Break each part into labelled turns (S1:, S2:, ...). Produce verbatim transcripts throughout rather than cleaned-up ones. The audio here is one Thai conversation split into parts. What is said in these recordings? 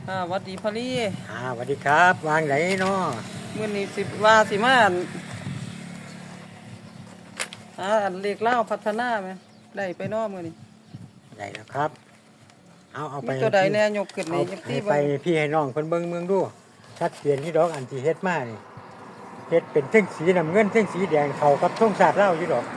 S1: ค่ะหวัดดีพอลี่
S2: อ่าสวัสดีครับวางไหนเนาะ
S1: มื้อนี้สิว่าสิมาอั่นหาอันเลขเล่าวพัฒนาไหมได้ไปเนาะมื้อนี้
S2: ไหนแล้วครับเอาเอาไป
S1: มีตัวใดแน่ยกขึ้น
S2: เอา
S1: นี่ยับ
S2: ให้
S1: ตี้
S2: ไป
S1: เบิ่ง
S2: พี่ให้น้องเพิ่นเบิ่งเมืองดูชัดเจนที่ดอกอันที่เฮ็ดมานี่เฮ็ดเป็นเส้นสีน้ำเงินเส้นสีแดงเข้ากับธงชาติลาวอยู่ดอก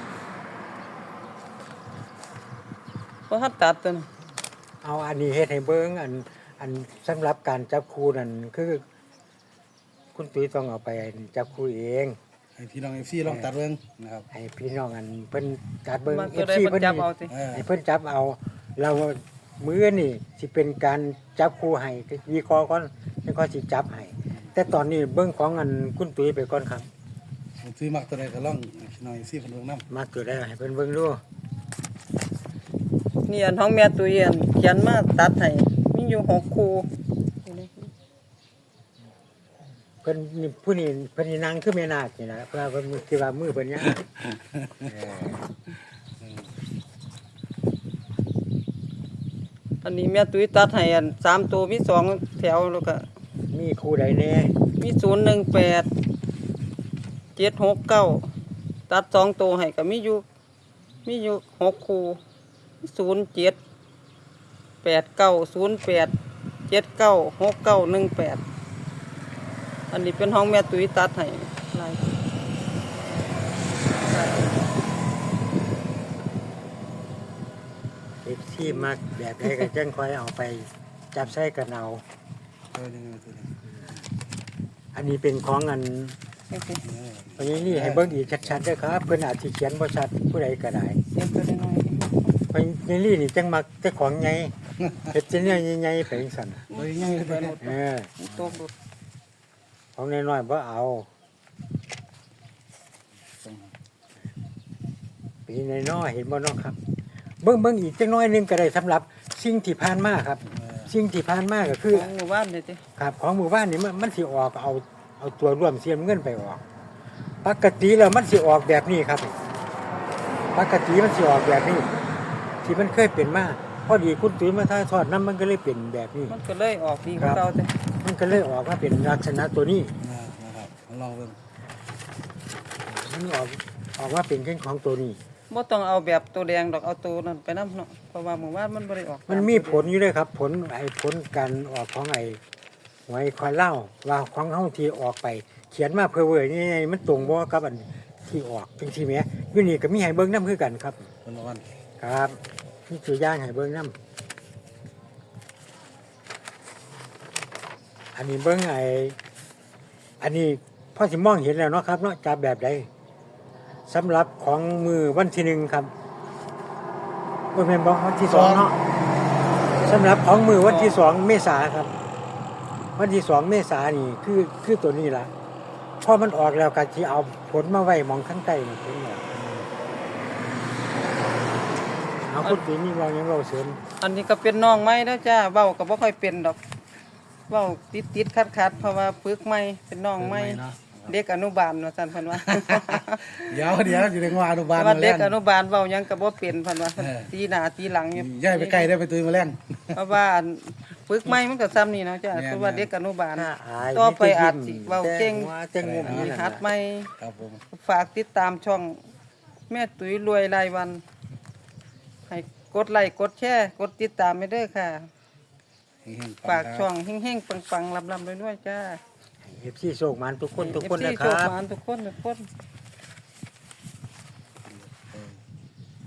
S1: บ่ทันตัดตัวน่ะ
S2: เอาอันนี้เฮ็ดให้เบิ่งอันอันสำหรับการจับคู่นั่นคือคุณตุ้ยต้องเอาไปจับคู่เอง
S3: ให้พี่น้องเอฟซีลองตัดเบิ่งนะครับ
S2: ให้พี่น้องอันเพิ่นจัดเบิ่ง
S1: มัน
S2: เอ
S1: ตัว
S2: ฟ
S1: ใด
S2: ซี
S1: เพิ่
S2: เพิ่
S1: น
S2: น
S1: จับเอา
S2: นี่
S1: สิ
S3: เออ
S2: ให้เพิ่นจับเอาเรามื้อนี่สิเป็นการจับคู่ให้วิเคราะห์ก่อนแล้วก็สิจับให้แต่ตอนนี้เบิ่งของอันคุณตุ้ยไปก่อนครับ
S3: ซื้อมักตัวใดก็ลองให้พี่น้องเอฟซีเพิ่นเบิ่งนำ
S2: มาตัวได้ให้เพิ่นเบิ่งดู
S1: นี่อันของแม่ตุ้ยอันเขียนมาตัดให้มีอยู่หกคู่นี่นะ
S2: เพิ่นนี่ผู้นี้เพิ่นนี่นางคือแม่นาคนี่นะเพราะว่าเพิ่นคิดว่ามือเพิ่นยาวเออ
S1: อันนี้แม่ตุ้ยตัดให้อันสามตัวมีสองแถวแล้วก็
S2: มีคู่ใดแน่
S1: มีศูนย์หนึ่งแปดเจ็ดหกเก้าตัดสองตัวให้ก็มีอยู่มีอยู่หกคู่ศูนย์เจ็ดแปดเก้าศูนย์แปดเจ็ดเก้าหกเก้าหนึ่งแปดอันนี้เป็นห้องแม่ตุ้ยตัดให้ลาย
S2: เอฟซีมักแบบใดก็จังค่อยเอาไปจับใส่กันเอา
S3: เออยังไงตัวนี้
S2: อันนี้เป็นของอัน
S1: นี่สิ
S3: เออ
S2: อันนี้นี่ให้เบิ่งอีกชัดๆเด้อครับเพิ่นอาจสิเขียนบ่ชัดผู้ใดก็ได้
S1: เสียงตัวน้อย
S2: เพราะนี่นี่นี่จังมักแต่ของใหญ่เฮ็ดจังแนวใหญ่ๆไปจังซั่น
S1: ๆ
S3: เออยังไง
S1: ไป
S3: ตัว
S1: หม
S3: นี้
S1: ด
S2: เออ
S1: ตกหมด
S2: ของน้อยๆบ่เอาปีน้อยๆเห็นบ่เนาะครับ เบิ่งเบิ่งอีกจังน้อยหนึงก็ได้สำหรับสิ่งที่ผ่านมาครับ
S3: เออ
S2: สิ่งที่ผ่านมาก็คือ
S1: ของหมู่บ้านนี่สิ
S2: ครับของหมู่บ้านนี่มันมันสิออกเอาเอาตัวร่วมเสียเงินไปออกปกติแล้วมันสิออกแบบนี้ครับปกติมันสิออกแบบนี้ ที่มันเคยเป็นมาพอดีคุณตุ้ยมาถ่ายทอดน้ำมันก็เลยเป็นแบบนี้
S1: มันก็เลยออกดีกว่าเก่าจ้ะ
S2: มันก็เลยออกมาเป็นลักษณะตัวนี้
S3: นะครับลองเบิ่ง
S2: มันออกออกมาเป็นเช่นของตัวนี้
S1: บ่ต้องเอาแบบตัวแดงดอกเอาตัวนั้นไปนำเนาะเพราะว่าหมู่บ้านมันบ่ได้ออก
S2: มันมีผลอยู่ด้วยครับ ผลไอ้ผลการออกของไอ้หวยควายเล่าว่าของเฮาที่ออกไป เขียนมาเพื่อเว้ยนี่ไงมันตรงบ่กับอันที่ออกจังซี่แหมอยู่นี่ก็มีให้เบิ่งนำคือกันครับ
S3: คนละวัน
S2: ครับนี่ตัวอย่างให้เบิ่งนำอันนี้เบิ่งไอ้อันนี้พอสิมองเห็นแล้วเนาะครับเนาะจับแบบใดสำหรับของมือวันที่หนึ่งครับโอ้ยแม่นบ่วันที่สองเนาะสำหรับของมือวันที่สองเมษาครับ วันที่สองเมษานี่คือคือตัวนี้ล่ะพอมันออกแล้วก็สิเอาผลมาไว้หมองข้างใต้นี่ผลออกเอาคุณปีนี่เรายังเราเสริม
S1: อันนี้ก็เป็นน้องไม้แล้วจ้าเว้าก็บ่ค่อยเป็นดอกเว้าติดๆขัดๆเพราะว่าปึกไม้เป็นน้องไม้
S3: เนาะ
S1: เด็กอนุบาลว่าซั่นเพิ่นว่า
S3: เดี๋ยวเดี๋ยวอยู่ในงานอนุบาล
S1: ว่า
S3: มา
S1: เด็
S3: แล้
S1: กอนุบาลเว้าหยังก็บ่เป็นเพิ่นว่า
S3: เออ
S1: ตีหน้าตีหลังอยู่
S3: ย้ายไปใกล้ได้ไปตุยมาแล้ง
S1: เพราะว่าอันปึกไม้มันก็ซ้ำนี่เนาะจ้า
S3: แม่นๆ
S1: เพราะว่าเด็กอนุบาล
S2: ถ้าอาย
S1: ต่อไปอาจสิเว้าเก่ง
S2: เจ้งงมนี่
S1: หัดใหม่
S3: ครับผม
S1: ฝากติดตามช่องแม่ตุ๋ยรวยรายวัน ให้กดไลค์กดแชร์กดติดตามไปเด้อค่ะ
S3: เฮงๆ
S1: ฝากช่องเฮงๆปังๆลำๆด้วยๆจ้า
S2: เอฟซีโชคมันทุกคนทุกคน
S1: เอฟซี
S2: นะค
S1: โช
S2: รั
S1: ค
S2: บ
S1: หวานทุกคนทุกคน